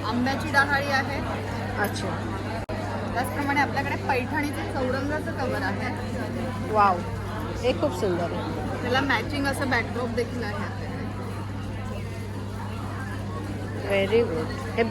आंब्याची डहाळी आहे. अच्छा. त्याचप्रमाणे आपल्याकडे पैठणीचं चौरंगाचं कवर आहे. वाव, हे खूप सुंदर आहे. त्याला मॅचिंग असं बॅकड्रॉप देखील आहे आपल्याकडे. Very good. हे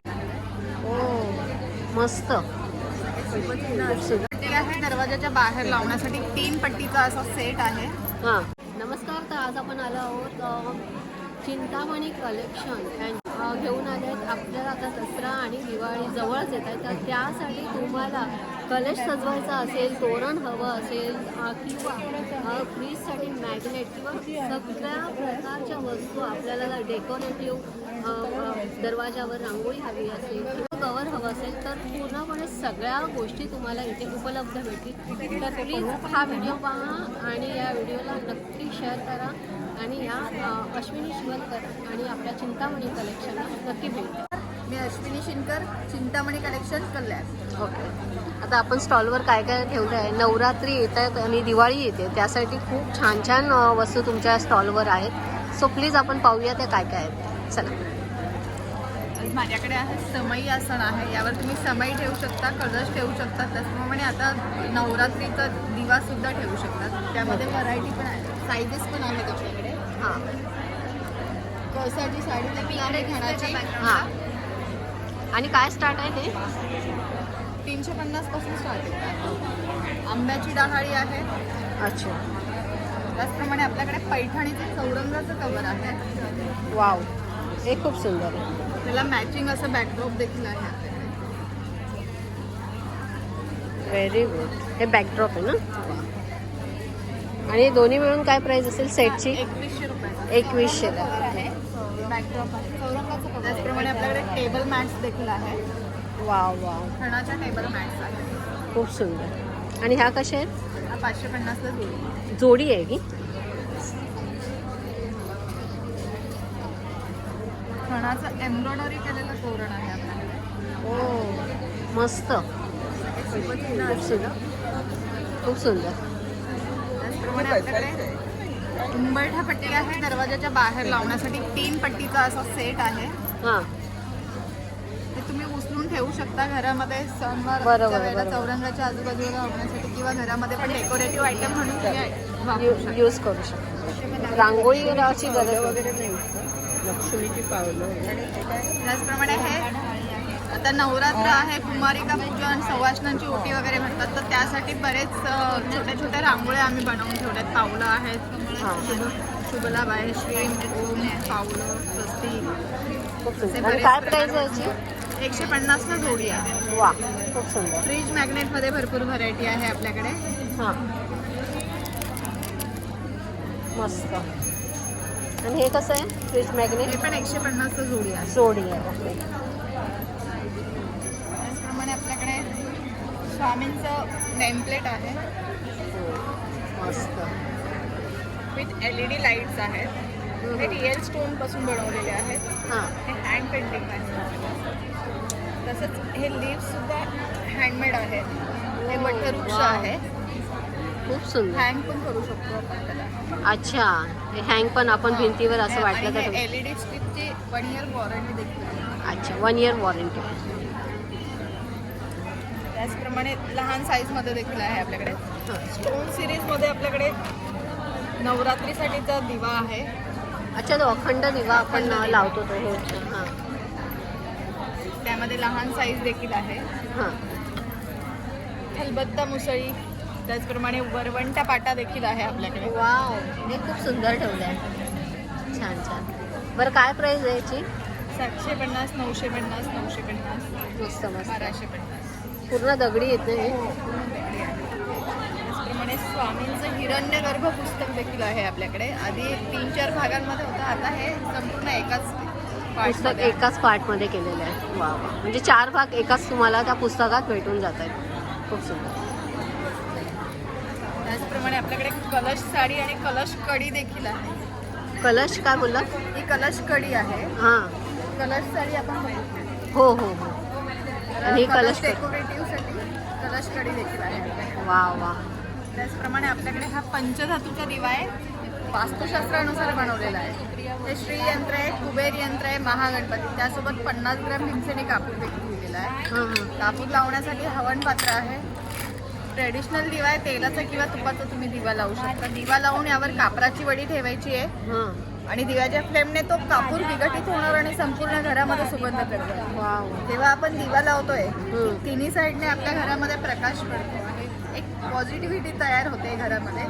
मस्त. पट्टी आहे दरवाजाच्या बाहेर लावण्यासाठी 3 पट्टीचा असा सेट आहे. हां, नमस्कार. तर आज आपण आलो आहोत चिंतामणी कलेक्शन घेऊन आले आहेत. आपल्याला आता दसरा आणि दिवाळी जवळच येत आहे, तर त्यासाठी तुम्हाला कलश सजवायचा असेल, तोरण हवं असेल किंवा फ्रीजसाठी मॅग्नेट किंवा सगळ्या प्रकारच्या वस्तू आपल्याला डेकोरेटिव्ह दरवाजावर रांगोळी हवी असेल किंवा कवर हवं असेल तर पूर्णपणे सगळ्या गोष्टी तुम्हाला इथे उपलब्ध भेटतील. तर प्लीज हा व्हिडिओ पहा आणि या व्हिडिओला नक्की शेअर करा आणि या अश्विनी शिवलकर आणि आपल्या चिंतामणी कलेक्शनला नक्की भेट द्या. मी अश्विनी शिनकर, चिंतामणी कलेक्शन, कल्याण. ओके. आता आपण स्टॉलवर काय काय ठेवलं आहे. नवरात्री येत आहेत आणि दिवाळी येते, त्यासाठी खूप छान छान वस्तू तुमच्या स्टॉलवर आहेत. सो प्लीज आपण पाहूया त्या काय काय आहेत. चला. माझ्याकडे आहे समई आसन आहे. यावर तुम्ही समई ठेवू शकता, कलश ठेवू शकता. त्याचप्रमाणे आता नवरात्रीचा दिवा सुद्धा ठेवू शकतात. त्यामध्ये व्हरायटी पण आहे, साईजेस पण आहेत आपल्याकडे. हां कळसाची साडी देखील आहे घाण्याची. हां. आणि काय स्टार्ट आहे हे? 350 पासून स्टार्ट आहे. आंब्याची डहाळी आहे. अच्छा. त्याचप्रमाणे आपल्याकडे पैठणीचं चौरंगाचं कवर आहे. वाव, हे खूप सुंदर आहे. त्याला मॅचिंग असं बॅकड्रॉप देखील आहे आपल्याकडे. Very good. हे बॅकड्रॉप आहे ना. आणि हे दोन्ही मिळून काय प्राइस असेल सेटची? 2100 रुपये. 2100 आहे. बॅकड्रॉप आहे चौरंगाचं कवर. त्याचप्रमाणे आपल्याकडे टेबल मॅट्स देखील आहे. वाव वाव, खणाच्या टेबल मॅट्स आहेत. खूप सुंदर. आणि ह्या कशा आहेत? हा 550ला जोडी. जोडी आहे की? खणाचं एम्ब्रॉयडरी केलेलं तोरण आहे आपल्याकडे. ओ मस्त, खूप सुंदर, खूप सुंदर. त्याचप्रमाणे आपल्याकडे उंबरठा पट्टी आहे दरवाजाच्या बाहेर लावण्यासाठी. 3 पट्टीचा असा सेट आहे. हां, ते तुम्ही उचलून ठेवू शकता घरामध्ये सणवार बरोबर, वेळेला बरोबर. चौरंगाच्या आजूबाजूला लावण्यासाठी किंवा घरामध्ये पण डेकोरेटिव्ह आयटम म्हणून तुम्ही वापरू शकता. यूज करू शकतो. रांगोळी लावायची गरज वगैरे नाही. लक्ष्मीची पावलं. त्याचप्रमाणे हे आता नवरात्र आहे, कुमारिका पूजन, सवाष्णांची ओटी वगैरे म्हणतात, तर त्यासाठी बरेच छोटे छोटे रांगोळ्या आम्ही बनवून ठेवल्यात. पावलं आहेत, शुभलाभ आहे, श्री ओम, पावलं, स्वस्ती. खूप सुंदर. आणि काय प्राइस आहे याची? 150ला जोडी आहे. वा, खूप सुंदर. फ्रीज मॅग्नेटमध्ये भरपूर व्हरायटी आहे आपल्याकडे. हां, मस्त. आणि हे कसं आहे? Fridge magnet. हे पण 150ला जोडी आहे. जोडी आहे. ओके. त्याचप्रमाणे आपल्याकडे स्वामींचं नेमप्लेट आहे मस्त. विथ LED लाईट्स आहेत. हे रिअल स्टोन पासून बनवलेले आहेत. हां, हे हँड पेंटिंग आहे. तसंच हे लीव्स सुद्धा हँडमेड आहेत. हे वटवृक्ष वाव. आहे. खूप सुंदर. हँग पण करू शकतो आपण त्याला. अच्छा, हे हँग पण आपण भिंतीवर असं वाटलं तर. LED स्ट्रिपची 1 इयर वॉरंटी देखील आहे. अच्छा, 1 इयर वॉरंटी. त्याचप्रमाणे लहान साईजमध्ये देखील आहे आपल्याकडे. स्टोन सिरीजमध्ये आपल्याकडे नवरात्रीसाठीचा दिवा आहे. अच्छा, तो अखंड दिवा आपण लावतो तो. हो. हां त्यामध्ये लहान साईज देखील आहे. हां. खलबत्ता मुसळी, त्याचप्रमाणे वरवंटा पाटा देखील आहे आपल्याकडे. वाव, हे खूप सुंदर ठेवलं आहे. छान छान. बरं, काय प्राईस आहे याची? 750, 950, 950, मस्त मस्त. 1250. पूर्ण दगडी येते हे. त्याचप्रमाणे स्वामींचं हिरण्यगर्भ पुस्तक देखील आहे आपल्याकडे. आधी 3-4 भागांमध्ये होतं, आता हे संपूर्ण एकाच पुस्तक एकाच पार्टमध्ये केलेलं आहे. वा वा, म्हणजे 4 भाग एकाच तुम्हाला त्या पुस्तकात भेटून जात आहेत. खूप सुंदर. त्याचप्रमाणे आपल्याकडे कलश साडी आणि कलश कडी देखील आहे. कलश काय बोलला? ही कलश कडी आहे. हां, कलश साडी आपण बघितली. हो हो हो. आणि कलश डेकोरेटिव्हसाठी कलश कडी देखील आहे. वा वा. त्याचप्रमाणे आपल्याकडे हा पंचधातूचा दिवा आहे. वास्तुशास्त्रानुसार बनवलेलं आहे. हे श्री यंत्र आहे, कुबेर यंत्र आहे, महागणपती. त्यासोबत 50 ग्रॅम भीमसेनी कापूर देखील दिलेला आहे. हां हां कापूर लावण्यासाठी हवन पात्र आहे. ट्रेडिशनल दिवा आहे, तेलाचा किंवा तुपाचा तुम्ही दिवा लावू शकता. दिवा लावून यावर कापराची वडी ठेवायची आहे हां. आणि दिव्याच्या फ्लेमने तो कापूर विघटित होणार आणि संपूर्ण घरामध्ये सुगंध करतो. वाव. जेव्हा आपण दिवा लावतोय हम्म. तिन्ही साईडने आपल्या घरामध्ये प्रकाश पडतो आणि एक पॉझिटिव्हिटी तयार होते घरामध्ये.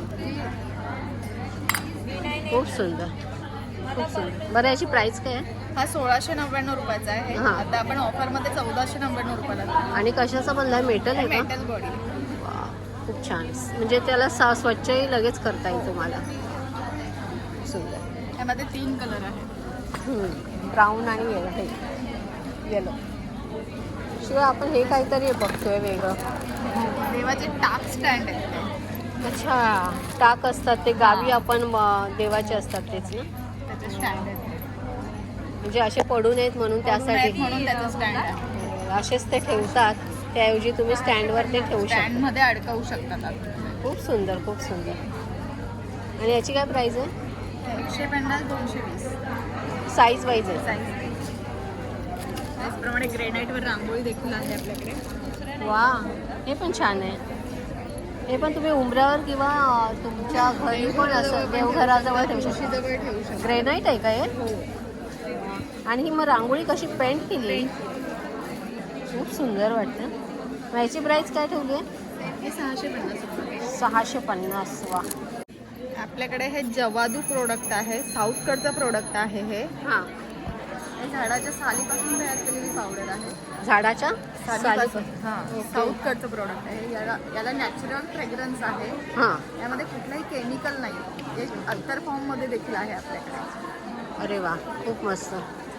खूप सुंदर, खूप सुंदर. बरं, याची प्राइस काय आहे? हा 1699 रुपयाचा आहे. हा. आता आपण ऑफरमध्ये 1499 रुपयाला देतो. आणि कशाचा बनला आहे? मेटल आहे का? Metal body. वा, खूप छान. म्हणजे त्याला स्वच्छही लगेच करता येईल तुम्हाला. सुंदर. यामध्ये 3 कलर आहेत. ब्राऊन आणि येलो. शिवाय आपण हे काहीतरी बघतोय वेगळं. देवाचे टाक स्टँड आहेत ते. अच्छा, टाक असतात ते गावी आपण देवाचे असतात तेच ना. त्याचे स्टँड आहेत. म्हणजे असे पडू नयेत म्हणून त्यासाठी म्हणून त्याचं स्टँड आहे. असेच ते ठेवतात. त्याऐवजी तुम्ही स्टँडवर ते ठेवू शकता. स्टँड मध्ये अडकवू शकतात आपण. खूप सुंदर, खूप सुंदर. आणि याची काय प्राइस आहे? 150, 220 साईज वाईज आहे. साईज. त्याचप्रमाणे ग्रेनाईटवर रांगोळी देखील आहे आपल्याकडे. वा, हे पण छान आहे. हे पण तुम्ही उंबऱ्यावर किंवा तुमच्या घरी पण असं देवघराजवळ ठेवू शकता. तुळशीजवळ ठेवू शकतो. ग्रेनाईट आहे का हे? आणि ही मग रांगोळी कशी पेंट केली? खूप सुंदर वाटतं. मग याची प्राइस काय ठेवली आहे? हे 650 रुपये. 650. वा. आपल्याकडे हे जवादू प्रोडक्ट आहे. साऊथकडचं प्रोडक्ट आहे हे. हां. हे झाडाच्या सालीपासून तयार केलेली पावडर आहे. झाडाच्या सालीपासून. हां, ओके. साऊथकडचं प्रोडक्ट आहे. याला नॅचरल फ्रेग्रन्स आहे. हां. यामध्ये कुठलाही केमिकल नाही. हे अत्तर फॉर्ममध्ये देखील आहे आपल्याकडे. अरे वा, खूप मस्त.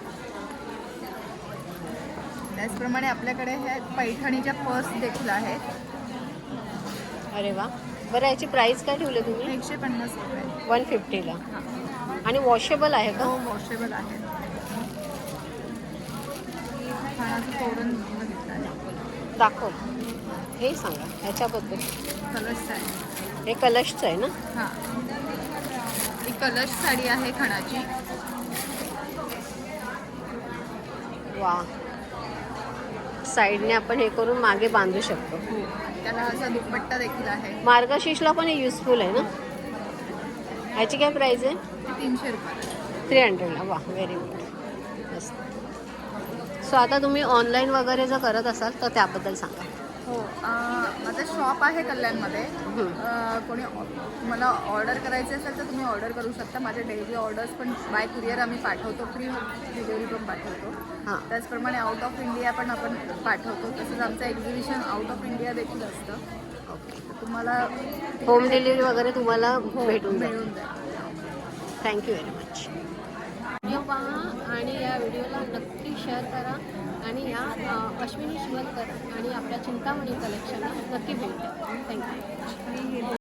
त्याचप्रमाणे आपल्याकडे हे पैठणीच्या पर्स देखील आहेत. अरे वा. बरं, याची प्राइस काय ठेवली तुम्ही? 150 रुपये. 150ला. हां. आणि वॉशेबल आहे का? हो, वॉशेबल आहे. खाण्याचं तोरण बघितलं आहे. दाखव. हे सांगा ह्याच्याबद्दल. कलश आहे. हे कलशचं आहे ना? हां, ही कलश साडी आहे खणाची. वा. साईडने आपण हे करून मागे बांधू शकतो. त्याला असा दुपट्टा देखील आहे. मार्गशीर्षला पण हे युजफुल आहे ना? ह्याची काय प्राइस आहे? ते 300 रुपये. 300ला. वा, व्हेरी गुड. मस्त. सो आता तुम्ही ऑनलाईन वगैरे जर करत असाल तर त्याबद्दल सांगा. हो, माझं शॉप आहे कल्याणमध्ये. कोणी मला ऑर्डर करायची असेल तर तुम्ही ऑर्डर करू शकता. माझे डेली ऑर्डर्स पण बाय कुरिअर आम्ही पाठवतो. फ्री डिलिव्हरी पण पाठवतो. हां. त्याचप्रमाणे आउट ऑफ इंडिया पण आपण पाठवतो. तसंच आमचं एक्झिबिशन आउट ऑफ इंडिया देखील असतं. ओके. तुम्हाला होम डिलिव्हरी वगैरे तुम्हाला भेटून जाईल. मिळून जाईल. Thank you very much. व्हिडिओ पहा आणि या व्हिडिओला नक्की शेअर करा आणि या अश्विनी शिवलकर आणि आपल्या चिंतामणी कलेक्शनला नक्की भेट द्या. थँक्यू.